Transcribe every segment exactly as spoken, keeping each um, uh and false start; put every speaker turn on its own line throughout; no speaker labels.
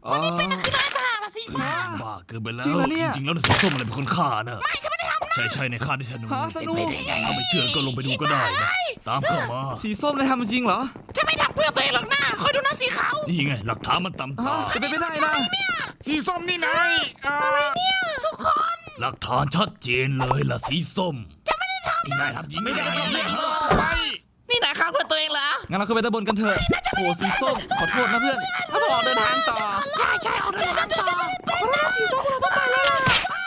คนที่เป็นนักกีฬาทหารสีฟ้า
บ้าเกินไปแล้ว
จริงเหรอเนี่ย
จริงๆแล้วสีส้มอะไรเป็นคนฆ่านะ
ไม่ฉันไม่ได้ทำนะ
ใช่ใช่ในฆ่าด้วยธนู
ฮะธนู
ถ้าไม่เชื่อก็ลงไปดูก็ได้นะตามเข้ามา
สีส้มนายทำจริงเหรอ
ฉันไม่ทำเพื่อตัวเองหรอกนะคอยดูนะสีขาว
นี่ไงหลักฐานมันตำ
ฮะ
ตา
จะเป็นไปได้นะ
สีส้มนี่นายอะไรเนี่ย
ทุกคน
หลักฐานชัดเจนเลยล่ะสีส้มจะไม่ได้ทำไอ้นายทำยิงไม่ได้
ไป
นี่นายฆ่าเพื่อตัวเองเหรอ
งั้นเราขึ้นไปด้านบนกันเถอะโอ้สีส้มขอโทษนะเพื่อน
ถ้าต้องออกเดินทางต่อใช่ใช่ออกเดินทางต่อเป็นหน้าสีส้มเราต้องไปแล้วล่ะ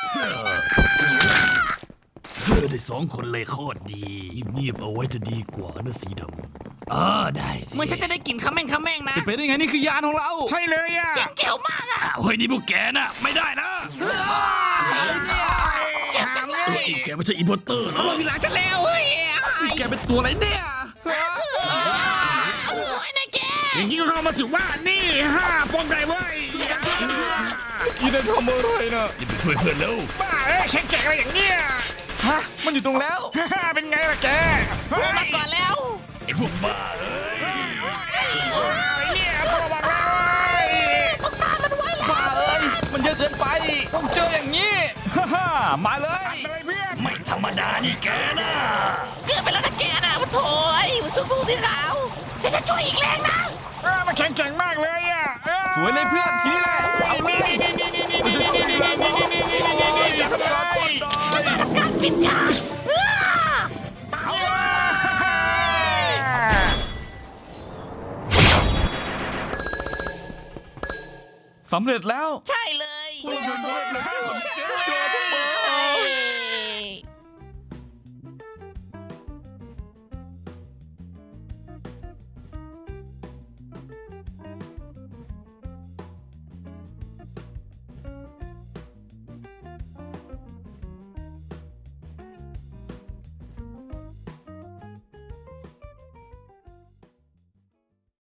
เพื่อได้สองคนเลยโคตรดีเงียบๆเอาไว้จะดีกว่านะสีดำอ่าได้สิ
เหมือนฉันจะได้กลิ่นขมิ้นขมิ้นนะ
จะเป็นได้ไงนี่คือยานของเรา
ใช่เลยอ่ะ
เจ๋วมากอะ
อ้าวเฮ้ยนี่พวกแกน่ะไม่ได้นะ
หามเล
เฮ้
ย
ยแกไม่ใช่อีโพเตอร์เหรอ
ลงทีหลังฉันแล้วเฮ้ย
แกเป็นตัวอะไรเนี่ย
โอ้ยนายแก
อย่างนี้ก็เข้ามาสิว่านี่ห้าปองไก่เว้ย
อีเดนทำอะไรนะ
อย่าไปช่วยเพื่อนแล้ว
บ้าเอ้ยแข็งแกร่งอะไรอย่างเงี้ย
ฮะมันอยู่ตรงแล้ว
เป็นไงล่ะแก
ลงมาก่อนแล้ว
ไอ้พวกบ้าเอ้ย
ไอ้เนี่ยตัวบอกแล้ว
บ้าเอ้ยมันเยอะเกินไปต้องเจออย่างนี้ฮ่าฮ่ามาเลย
เลยเพื่อน
ไม่ธรรมดานี่แกนะ
เกือบไปแล้วนะแกนะมันโถยมันสู้ๆสีขาวเดี๋ยวฉันช่วยอีกแรงนะ
เออมันแข็งแกร่งมากเลยอ่ะ
สวยเลยเพื่อนทีแหละ
นี่นี่นี่นี่นี่นี่นี่นี่นี่นี่นี่นี่นี่นี่นี่ทำไม
การปิดฉากเออตายเลย
สำเร็จแล้ว
ใช่เลย
เจอทุกคน